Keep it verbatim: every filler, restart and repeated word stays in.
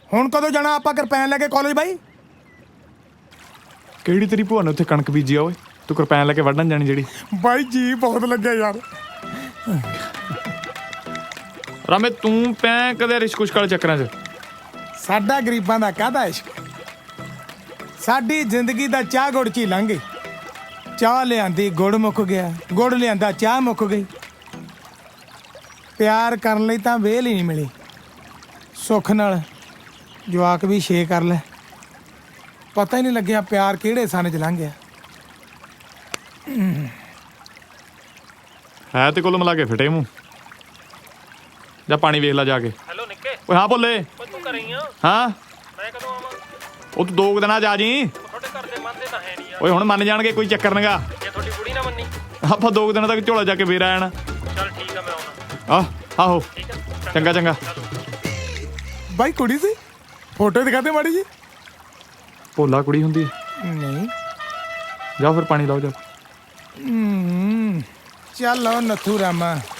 ਹੁਣ ਕਦੋਂ ਜਾਣਾ ਆਪਾਂ ਕਿਰਪੈਨ ਲੈ ਕੇ ਕਾਲਜ ਬਾਈ? ਕਿਹੜੀ ਤੇਰੀ ਭੂਆ ਨੇ ਉੱਥੇ ਕਣਕ ਬੀਜੀ ਆ ਓਏ, ਤੂੰ ਕਿਰਪੈਨ ਲੈ ਕੇ ਵੱਢਣ ਜਾਣੀ ਜਿਹੜੀ? ਬਾਈ ਜੀ ਬਹੁਤ ਲੱਗਿਆ ਯਾਰ। ਰਾਮੇ ਤੂੰ ਪੈ ਕਦੇ ਰਿਸ਼ਕੁਸ਼ ਵਾਲੇ ਚੱਕਰਾਂ 'ਚ? ਸਾਡਾ ਗਰੀਬਾਂ ਦਾ ਕਾਹਦਾ ਇਸ਼ਕ, ਸਾਡੀ ਜ਼ਿੰਦਗੀ ਦਾ ਚਾਹ ਗੁੜ 'ਚ ਹੀ ਲੰਘ ਗਈ। ਚਾਹ ਲਿਆਂਦੀ ਗੁੜ ਮੁੱਕ ਗਿਆ, ਗੁੜ ਲਿਆਂਦਾ ਚਾਹ ਮੁੱਕ ਗਈ। ਪਿਆਰ ਕਰਨ ਲਈ ਤਾਂ ਵੇਲ ਹੀ ਨਹੀਂ ਮਿਲੀ। ਸੁੱਖ ਨਾਲ ਜਵਾਕ ਵੀ ਛੇ ਕਰ ਲੈ, ਪਤਾ ਹੀ ਨਹੀਂ ਲੱਗਿਆ ਪਿਆਰ ਕਿਹੜੇ ਸਨ 'ਚ ਲੰਘ ਗਿਆ। ਹੈ ਤੇ ਕੁੱਲ ਮਿਲਾ ਕੇ ਫਿਟੇ ਮੂੰਹ। ਜਾ ਪਾਣੀ ਵੇਖ ਲੈ ਜਾ ਕੇ। ਹੈਲੋ ਨਿੱਕੇ। ਓਏ ਹਾਂ ਬੋਲੇ। ਓਏ ਤੂੰ ਘਰੇ ਹੀ ਆ? ਹਾਂ ਮੈਂ ਕਦੋਂ ਆਵਾਂ? ਉਹ ਤੂੰ ਦੋ ਕੁ ਦਿਨਾਂ 'ਚ ਆ ਜੀ। ਤੁਹਾਡੇ ਘਰ ਦੇ ਮੰਨਦੇ ਤਾਂ ਹੈ ਨਹੀਂ ਯਾਰ। ਓਏ ਹੁਣ ਮੰਨ ਜਾਣਗੇ, ਕੋਈ ਚੱਕਰ ਨਹੀਂਗਾ। ਜੇ ਤੁਹਾਡੀ ਕੁੜੀ ਨਾ ਮੰਨੀ? ਆਪਾਂ ਦੋ ਕੁ ਦਿਨਾਂ ਤੱਕ ਝੋਲਾ ਜਾ ਕੇ ਫੇਰ ਆ ਜਾਣਾ। ਚੱਲ ਠੀਕ ਆ, ਮੈਂ ਆਉਣਾ। ਆਹ ਆਹੋ ਠੀਕ ਆ, ਚੰਗਾ ਚੰਗਾ। ਬਾਈ ਕੁੜੀ ਸੀ, ਫੋਟੋ ਦਿਖਾਦੇ ਮਾੜੀ ਜੀ। ਭੋਲਾ ਕੁੜੀ ਹੁੰਦੀ ਹੈ? ਨਹੀਂ। ਜਾਓ ਫਿਰ ਪਾਣੀ ਲਾਓ ਜਾ। ਹਮ, ਚੱਲ ਆਓ ਨੱਥੂ ਰਾਮਾ।